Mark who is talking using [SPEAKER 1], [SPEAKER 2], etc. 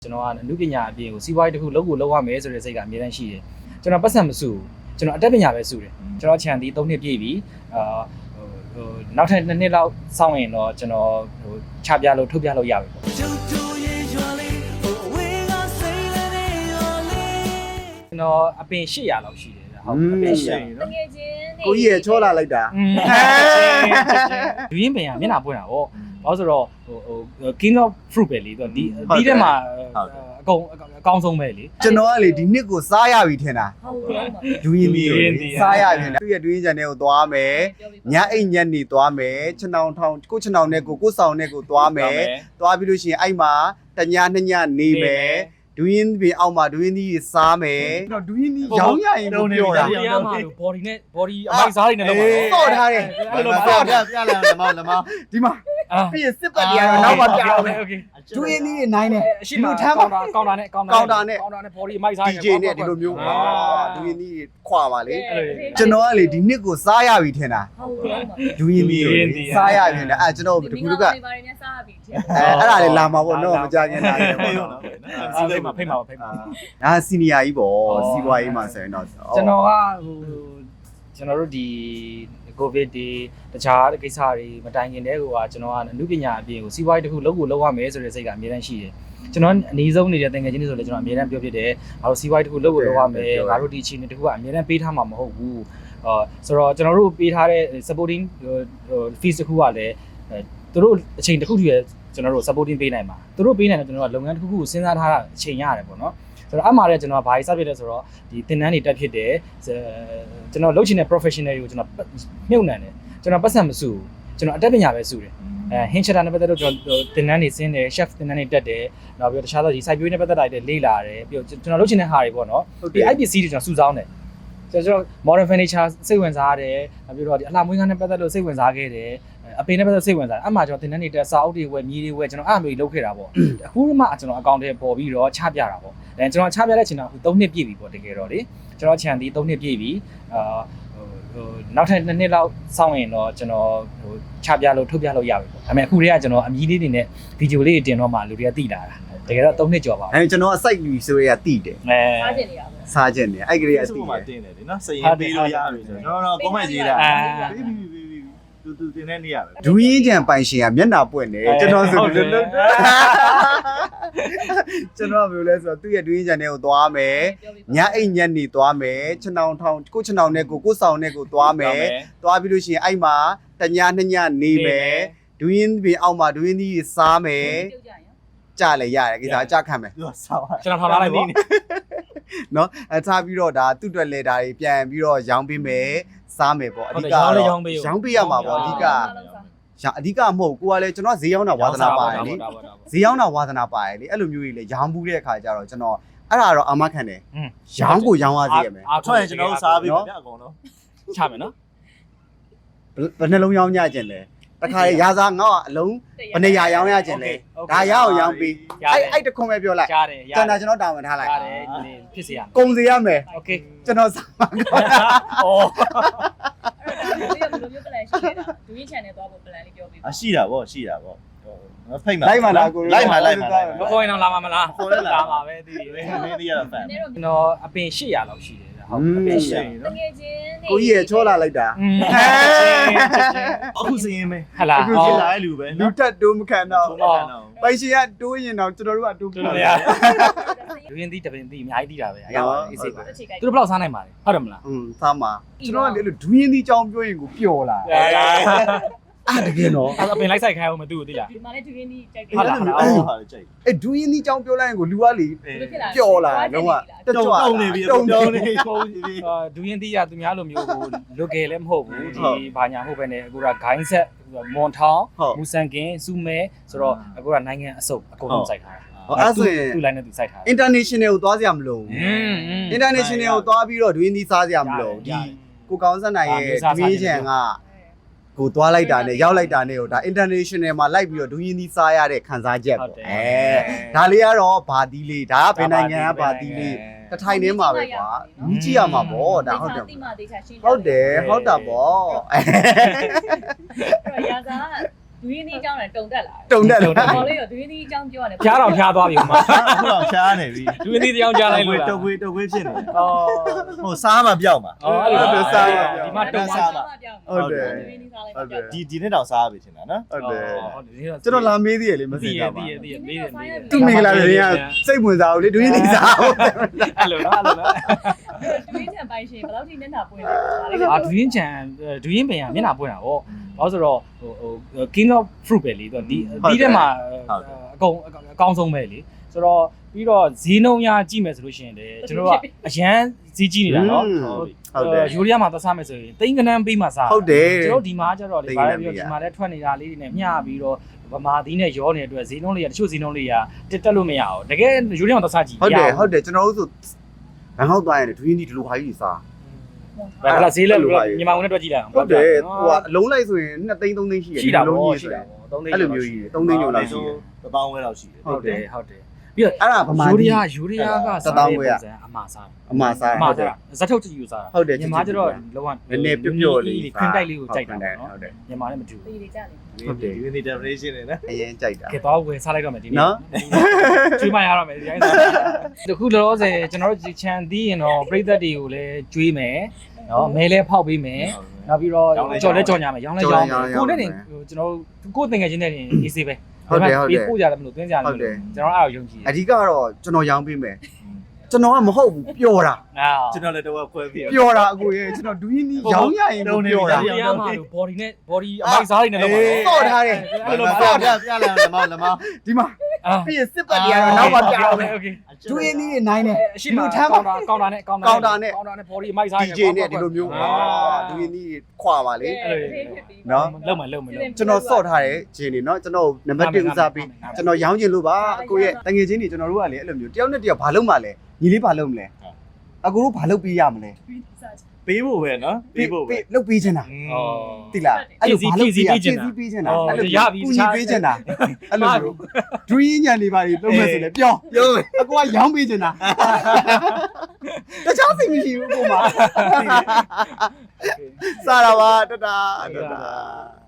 [SPEAKER 1] ကျွန်တော်ကအမှုပညာအပြင်ကိုစီးပွားရေးတစ်ခုလုပ်ကိုလုပ်ရမယ်ဆိုတဲ့စိတ်ကအများတန်းရှိတယ်ကျွန်တော်ပတ်စံမစုကျွန်တော်အတတ်ပညာပဲစုတယ်ကျွန်တော်ခြံသည်3နှစ်ပြည့်ပြီနောက်ထပ်2နှစ်လောက်စောင့်ရင်တော့ကျွန်တော်ချပြလို့ထုတ်ပြလို့ရပြီပေါ့ကျွန်တော်အပင်800လောက်ရှိတယ်ဟုတ်အပင်800နော်
[SPEAKER 2] ကိုကြီးရချောလာလိုက်တာ
[SPEAKER 1] လူရင်းပင်ကမျက်နှာပွင့်တာပေါ့ဘာလို့ဆိုတော့king of fruit ပဲလေဒီထဲမှာအကောင်ဆုံးပဲလေ
[SPEAKER 2] ကျွန်တော်ကလေဒီနှစ်ကိုစားရပြီထင်တာဒူးရင်ဒီစားရပြီသူ့ရဲ့ဒူးရင်ချန်တဲ့ကိုသွားမယ်ညအိတ်ညက်နေသွားမယ်ခြံတောင်ထောင်ကိုခြံတောင်နဲ့ကိုဆောင်နဲ့ကိုသွားမယ်သွားပြီးလို့ရှိရင်အဲ့မှာတည2ညနေမယ်ဒူးရင်ပင်အောက်မှာဒူးရင်ဒီစားမယ်တော့ဒူးရင်ဒီရောင်းရရင်ပြောတာ
[SPEAKER 1] body နဲ့ body အမိုက်စားတွေနဲ့တော့
[SPEAKER 2] စော့ထားတယ်စော့ထားပြလာလမဒီမှာပြည့်စစ်ပတ်တရားတော့နောက်မှပြအောင်โอเคဒူးရင်ဒီနိုင်တယ်
[SPEAKER 1] ရှိမှထမ်းပါကောင်တာနဲ့ body အမိုက်စား
[SPEAKER 2] DJ နဲ့ဒီလိုမျိုးဒူးရင်ဒီခွာပါလေကျွန်တော်ကလေဒီနှစ်ကိုစားရပြီထင်တာဒူးရင်ဒီစားရပြီနဲ့ကျွန်တော်တကူကအဲ့ဒါလေလာမှာပေါ့နော်မကြခင်လာတယ်ပေါ့နော်
[SPEAKER 1] ဖိတ်မှာ
[SPEAKER 2] ဒါစီနီယာကြီးပေါ့စီးပွားရေးမှာဆိုရင်တော့
[SPEAKER 1] ကျွန်တော်ကကျွန်တော်တို့ဒီကိုဗစ်ဒီတခြားကိစ္စတွေမတိုင်ခင်တည်းကကျွန်တော်ကအမှုပညာအပြင်ကိုစီးပွားရေးတစ်ခုလုပ်ကိုလုပ်ရမယ်ဆိုတဲ့စိတ်ကအများတန်းရှိတယ်ကျွန်တော်အနည်းဆုံးနေတဲ့တန်ငယ်ချင်းတွေဆိုလည်းကျွန်တော်အများတန်းပြောဖြစ်တယ်ငါတို့စီးပွားရေးတစ်ခုလုပ်ကိုလုပ်ရမယ်ငါတို့ဒီအချိန်တစ်ခုကအများတန်းပေးထားမှာမဟုတ်ဘူးဆိုတော့ကျွန်တော်တို့ပေးထားတဲ့ supporting fees တစ်ခုကလည်းသူတို့အချိန်တစ်ခုတည်းကျွန်တော်တို့ supporting ပေးနိုင်မှာသူတို့ပေးနိုင်တယ်ကျွန်တော်ကလုပ်ငန်းတစ်ခုခုကိုစဉ်းစားထားတာအချိန်ရတယ်ပေါ့နော်ဆိုတော့အမှားလည်းကျွန်တော်ကဘာကြီးစဖြစ်လဲဆိုတော့ဒီသင်တန်းတွေတက်ဖြစ်တယ်ကျွန်တော်လုပ်ချင်တဲ့ professional တွေကိုကျွန်တော်မြုပ်နှံတယ်ကျွန်တော်ပတ်စံမစုကျွန်တော်အတတ်ပညာပဲစုတယ်ဟင်းချက်တာနဲ့ပတ်သက်လို့ကျွန်တော်သင်တန်းတွေဆင်းတယ် chef သင်တန်းတွေတက်တယ်နောက်ပြီးတော့တခြားသောဒီ site view နဲ့ပတ်သက်တာတွေလေ့လာတယ်ပြီးတော့ကျွန်တော်လုပ်ချင်တဲ့ဟာတွေပေါ့နော်ပြီး IPC တွေကျွန်တော်စုဆောင်းတယ်ကျွန်တော် modern furniture စိတ်ဝင်စားရတယ်နောက်ပြီးတော့ဒီအလှမွေးကားနဲ့ပတ်သက်လို့စိတ်ဝင်စားခဲ့တယ်အပင်နဲ့ပတ်သက်စိတ်ဝင်စားတယ်အမှကျွန်တော်သင်တန်းတွေတက်စာအုပ်တွေဝယ်မြေတွေဝယ်ကျွန်တော်အဲ့လိုလုပ်ခဲ့တာပေါ့အခုမှကျွန်တော်အကောင့်ထဲပေါ်ပြီးတော့ချပြတာပေါ့ကျွန်တော်ချပြတဲ့အချိန်တော့3နှစ်ပြည့်ပြီပေါ့တကယ်တော့လေကျွန်တော်ခြံသည်3နှစ်ပြည့်ပြီနောက်ထပ်2နှစ်လောက်စောင့်ရင်တော့ကျွန်တော်ချပြလို့ထုတ်ပြလို့ရပြီပေါ့ဒါပေမဲ့အခုတည်းကကျွန်တော်အမီးလေးတွေနဲ့ဗီဒီယိုလေးတွေတင်တော့မှလူတွေကသိလာတာတကယ်တော့3နှစ်ကျော်ပါဘူး
[SPEAKER 2] ကျွန်တော်အစိုက်လူဆိုရတိတယ်
[SPEAKER 3] စားကျင်နေရပါ
[SPEAKER 2] စားကျင်နေအဲ့ကလေးအတိ
[SPEAKER 4] မှာတင်တယ်လေနော်စရင်ပေးလို့ရပြီဆိုတော့ကွန်မန့်ရေးတာတူတင်တဲ့နေရပဲ
[SPEAKER 2] ဒူးရင်ကြံပိုင်ရှင်ကမျက်နှာပွင့်တယ်ကျွန်တော်ဆိုလို့ကျွန်တော်ဘယ်လိုလဲဆိုတော့သူ့ရဲ့ဒူးရင်ကြံတွေကိုသွားမယ်ညအိတ်ညက်နေသွားမယ်ခြံတောင်ထောင်ကိုခြံတောင်နဲ့ကိုဆောင်နဲ့ကိုသွားမယ်သွားပြီးလို့ရှိရင်အဲ့မှာတည2ညနေမယ်ဒူးရင်ပင်အောက်မှာဒူးရင်ဒီစားမယ်ကြလဲရတယ်ကိစ္စအကြခံမယ်
[SPEAKER 4] သူကစားပါ
[SPEAKER 1] ကျွန်တော်ထားလိုက်ပေါ့
[SPEAKER 2] နော်ထားပြီးတော့ဒါသူ့အတွက်လေဒါတွေပြန်ပြီးတော့ရောင်းပေးမယ်စားမယ်ပေါ့အဓိကရောင်းပေးရမှာပေါ့အဓိကမဟုတ်ကိုကလည်းကျွန်တော်ဈေးရောက်တာဝါသနာပါတယ်လေဈေးရောက်တာဝါသနာပါတယ်လေအဲ့လိုမျိုးကြီးလေရောင်းဘူးတဲ့အခါကျတော့ကျွန်တော်အဲ့ဒါတော့အာမခံတယ်ရောင်းကိုရောင်းရသေးရမယ်
[SPEAKER 4] ထွက်ရင်ကျွန်တော်စားပြီးပြအကုန်လုံး
[SPEAKER 1] ချမယ်နော်
[SPEAKER 2] ဘယ်နှလုံးရောင်းကြခြင်းလဲတခါလေရာစားငေါ့အလုံးဘယ်နေရာရောင်းရခြင်းလဲဒါရအောင်ရောင်းပြီးအဲ့တခွန်ပဲပြောလိုက်ကျွန်တော်တာဝန်ထားလိုက်
[SPEAKER 1] ဖြစ်စေရ
[SPEAKER 2] ကုံစေရမယ်
[SPEAKER 1] โอเค
[SPEAKER 2] ကျွန်တော်စားမှာဩ
[SPEAKER 3] အဲ့ဒါဘယ်လိုမျိုး plan ရှိလဲဒူးရင် channel သွားဖို့ plan လေးပြောပေးပါ
[SPEAKER 4] ရှိတာပေါ့ဖိတ်မှာ
[SPEAKER 2] လိုက်မှာလားကို
[SPEAKER 4] လိုက်မှာ
[SPEAKER 1] မခေါ်ရင်တော့လာမှာမလား
[SPEAKER 4] ခေါ်လဲလာ
[SPEAKER 1] မှာပဲဒီ
[SPEAKER 4] မင်းဒီရတာဖန်
[SPEAKER 1] ကျွန်တော်အပင်800လောက်ရှိတယ်ဟုတ်အပင်800
[SPEAKER 3] နော်တကယ်ချင်း
[SPEAKER 2] ကိုကြီးရချောလာလိုက်တာ
[SPEAKER 4] အခုစရင်ပဲ
[SPEAKER 1] ဟလာ
[SPEAKER 4] အခုဖြစ်လာတဲ့လူပဲ
[SPEAKER 2] လူတက်တိုးမခံတော့ပိုင်ရှင်ကတိုးရင်တော့ကျွန်တော်တို့ကတိုးပြ
[SPEAKER 1] ရလူရင်းသီးတပင်သီးအများကြီးသီးတာပဲအရာအေးစိတ်ပါသူတို့ဘယ်လောက်စားနိုင်ပါလဲဟုတ်တယ်မလား
[SPEAKER 2] စားမှာကျွန်တော်ကလေဒူးရင်သီးကြောင်းပြောရင်ကိုပျော်လာတကယ်နော်
[SPEAKER 1] အပင်လိုက်ဆိုင်ခိုင်းအောင်မသိဘူးသိလား
[SPEAKER 3] ဒီမှာလည်းဒူးရင်သီးကြိုက်တယ်
[SPEAKER 4] ဟုတ်လားဟာကြိုက်
[SPEAKER 2] အဲ့ဒူးရင်သီးကြောင်းပြောလိုက်ရင်ကိုလူကလေပျော်လာလုံးဝ
[SPEAKER 4] တုံနေပြီတုံနေပုံပြီ
[SPEAKER 1] ဒူးရင်သီးကသူများလိုမျိုးကိုလွတ်ကယ်လည်းမဟုတ်ဘူးဒီဘာညာဟုတ်ပဲနဲ့အခုကဂိုင်းဆက်မွန်ထောင်မူဆန်ကင်စူမဲဆိုတော့အခုကနိုင်ငံအစုပ်အကုန်လုံးစိုက်ထားတာ
[SPEAKER 2] အဲ့ဆိုရင်
[SPEAKER 1] သူ့ line နဲ့သူစိုက်ထား
[SPEAKER 2] international ကိုသွားစရာမလိုဘူး international ကိုသွားပြီးတော့ဒူးရင်သီးစားစရာမလိုဒီကိုကောင်းစက်နိုင်ရဲ့ဒူးရင်ချန်ကကိုသွားလိုက်တာနဲ့ရောက်လိုက်တာနဲ့ဟိုဒါ international မှာလိုက်ပြီးတော့ဒူးရင်သီးစားရတဲ့ခံစားချက်ပေါ့ဒါလေးကတော့ဘာသီးလေးဒါကဘယ်နိုင်ငံကဘာသီးလေးတထိုင်ထဲမှာပဲကွာမြည်ကြည့်ရမှာပေါ့ဒါဟုတ်တယ်
[SPEAKER 3] ဟုတ်
[SPEAKER 2] တာပေါ့
[SPEAKER 3] အဲ့တော့ရာဇာဒူရင်းဒီအကြောင်းနဲ့တုံတက်လာ
[SPEAKER 2] တုံတက်လာ
[SPEAKER 3] တော်လေးတော့ဒူရင်းဒီအကြောင်းပြောရတယ်
[SPEAKER 1] ဖျားတော့ဖျားသွားပြီမှာ
[SPEAKER 4] အခုတော့ရှားနေပြီ
[SPEAKER 1] ဒူရင်းဒီတရားကြားလိုက်လို့လား
[SPEAKER 4] တုတ်ခွေးဖြစ်နေ
[SPEAKER 1] အော်
[SPEAKER 4] ဟိုစားမှပြောက်မှာ
[SPEAKER 1] အော်အဲ့လိုဒီမှာတုံစား
[SPEAKER 2] ဟုတ်တယ်
[SPEAKER 3] ဒူရင်းဒီစားလိုက်ပြော
[SPEAKER 4] ဒီနေ့တော့စားပြီထင်တာနော်
[SPEAKER 2] ဟုတ်တယ်
[SPEAKER 1] ဟုတ်တယ်
[SPEAKER 2] ကျွန်တော်လာမေးသေးရလေမစင်ကြပါ
[SPEAKER 1] သိရမေးတယ်မေးတယ်
[SPEAKER 2] သူမင်္ဂလာတွေကစိတ်ဝင်စားဘူးလေဒူးရင်းနေစားဘူး
[SPEAKER 1] အဲ့လိုနော်အဲ့လိုနော်
[SPEAKER 3] ဒူရင်းချန်ပိုင်ရှင်ဘယ်လောက်ထိမျက်နှာပွင့်လဲ
[SPEAKER 1] အာဒူရင်းချန်ဒူရင်းပင်ကမျက်နှာပွင့်တာဗောဘာလို့ဆိုတော့ဟို king of fruit ပဲလေသူဒီထဲမှာအကောင်ဆုံးပဲလေဆိုတော့ပြီးတော့ဈေးနှုန်းရကြည့်မယ်ဆိုလို့ရှိရင်လေကျွန်တော်ကအရန်ဈေးကြီးနေတာနော်
[SPEAKER 2] ဟုတ်တယ်
[SPEAKER 1] ယူရီးယားမှာသွားစားမယ်ဆိုရင်တိန်ကနန်းပေးမှစား
[SPEAKER 2] ဟုတ်တယ်
[SPEAKER 1] ကျွန်တော်ဒီမှာကျတော့လေဘာလဲပြီးတော့ဒီမှာလည်းထွက်နေတာလေးတွေနဲ့မျှပြီးတော့ဗမာသီးနဲ့ရောနေတဲ့အတွက်ဈေးနှုန်းလေးကတချို့ဈေးနှုန်းလေးကတက်လို့မရအောင်တကယ်ယူရီးယားမှာသွားစားကြည့်
[SPEAKER 2] ဟုတ်တယ်ကျွန်တော်တို့ဆိုဘန်ကောက်သွားရင်ဒူးရင်းဒီဒီလိုဟာကြီးစား
[SPEAKER 1] ဘာလဲဈေးလဲမြန်မာငွေနဲ့တွက်ကြည့်လိုက်အောင်
[SPEAKER 2] ဟုတ်တယ်ဟိုကအလုံးလိုက်ဆိုရင်2သိန်း3သိန်းရှိတယ်
[SPEAKER 1] ရှိတာ
[SPEAKER 2] လုံး
[SPEAKER 1] ဗော
[SPEAKER 2] ကြီး
[SPEAKER 1] ရှိ
[SPEAKER 2] ဆို
[SPEAKER 1] တာ
[SPEAKER 2] ရင်
[SPEAKER 1] ဗော3သိန်း
[SPEAKER 2] အဲ့လိုမျိုးကြီး3သိန်းကျော်လောက်ရှိတယ်
[SPEAKER 4] တောင်းဝဲလောက်ရှိတယ်
[SPEAKER 1] ဟုတ်တယ်ဟုတ်တယ်ပြီးတော့
[SPEAKER 2] အဲ့ဒါဗမာ
[SPEAKER 1] ယူ
[SPEAKER 2] ကြီး
[SPEAKER 1] ရီးယားကစားတဲ့ပုံစံအမှားစား
[SPEAKER 2] အမှားစား
[SPEAKER 1] အမှားစားဇက်ထုတ်ကြည့်ယူစားတာ
[SPEAKER 2] ဟုတ်တယ်
[SPEAKER 1] မြန်မာကျတော့လောက
[SPEAKER 2] နည်းနည်းပျော့ပျော့လေး
[SPEAKER 1] ခွင်းတိုက်လေးကိုကြိုက်တာပေါ့
[SPEAKER 2] ဟုတ်တယ်
[SPEAKER 1] နော်မြန်မာနဲ့မတူဘူး
[SPEAKER 3] ဒီတွေကြတယ်
[SPEAKER 4] ဒီနေ့ definition နဲ့နော်
[SPEAKER 2] အရင်ကြိုက်တာ
[SPEAKER 1] ကဲတော့ဝယ်စားလိုက်တော့မယ်ဒီနေ့
[SPEAKER 2] နော်
[SPEAKER 1] ကျွေးမရတော့မယ်ဒီတိုင်းစားတခုလောလောဆယ်ကျွန်တော်တို့ချန်သီးရင်တော့ပြည်သက်တွေကိုလည်းကျွေးမယ်နော်မဲလဲဖောက်ပေးမယ်နောက်ပြီးတော့ကြော်လဲကြော်ညာမယ်ရောင်းလဲရောင်းကိုနဲ့တင်ကျွန်တော်ကိုတင်ငယ်ချင်းနဲ့တင်အေးဆေးပဲပေးပို့ကြတယ်မလို့သွင်းကြတယ်မလို့ကျွန်တော်အဲ့ဒါယုံကြည်
[SPEAKER 2] အဓိကတော့ကျွန်တော်ရောင်းပေးမယ်ကျွန်တော်ကမဟုတ်ဘူးပျော်တာ
[SPEAKER 1] အာ
[SPEAKER 4] ကျွန်တော်လည်းတော့ခွဲပြီး
[SPEAKER 2] ပျော်တာအကိုရေကျွန်တော်ဒူးရင်းဒီရောင်းရရင်ပျော်တာ
[SPEAKER 1] ဒီရမှာလို့ body နဲ့ body အမိုက်စားတွေနဲ့လောက်ပါ
[SPEAKER 2] စော့ထားတယ်
[SPEAKER 1] အဲ့လို
[SPEAKER 2] စော့
[SPEAKER 1] ပါ
[SPEAKER 2] ထား
[SPEAKER 4] ပြလာလမလမ
[SPEAKER 2] ဒီမှာ
[SPEAKER 1] အာ
[SPEAKER 2] ပြီးရင်စစ်ပတ်တွေကတော့နောက်မှပြအောင်မယ်
[SPEAKER 1] โอเค
[SPEAKER 2] ဒူးရင်းဒီနိုင်တယ်
[SPEAKER 1] အရှိမထမ်းကောင်တာနဲ့ body အမိုက်စား
[SPEAKER 2] DJ နဲ့ဒီလိုမျိုးဒူးရင်းဒီခွာပါလေ
[SPEAKER 1] နော်လုံမလုံ
[SPEAKER 2] ကျွန်တော်စော့ထားတယ်ဂျင်းနေเนาะကျွန်တော်နံပါတ်1ဦးစားပေးကျွန်တော်ရောင်းချင်လို့ပါအကိုရဲ့တငယ်ချင်းတွေကျွန်တော်တို့ကလေအဲ့လိုမျိုးတယောက်နဲ့တယောက်ဘာလုပ်မှလဲညီလေးဘာလုပ်မလဲအကိုတို့ဘာလုပ်ပေးရမလဲ
[SPEAKER 4] ပေးဖို့ပဲနော်ပေးဖို့ပဲ
[SPEAKER 2] လုပ်ပေးချင်တာ
[SPEAKER 1] อ๋อ
[SPEAKER 2] တိလားအဲ့လိုဘာလုပ်ပေးရ
[SPEAKER 1] ဖြည့်
[SPEAKER 2] ဖြည့်
[SPEAKER 1] ဆည်း
[SPEAKER 2] ဆည်း
[SPEAKER 1] ပေး
[SPEAKER 2] ပေး
[SPEAKER 1] ချ
[SPEAKER 2] ချ
[SPEAKER 1] င်
[SPEAKER 2] င်
[SPEAKER 1] တာ
[SPEAKER 2] တာအဲ့လို
[SPEAKER 1] ရပြီ
[SPEAKER 2] ကူညီပေးချင်တာအဲ့လိုမျိုး dream ညံနေပါလေလုံးမဲ့ဆိုလေပြောအကိုကရောင်းပေးချင်တာတခြားစိတ်မရှိဘူးအကိုမှာစားတာပါတတာ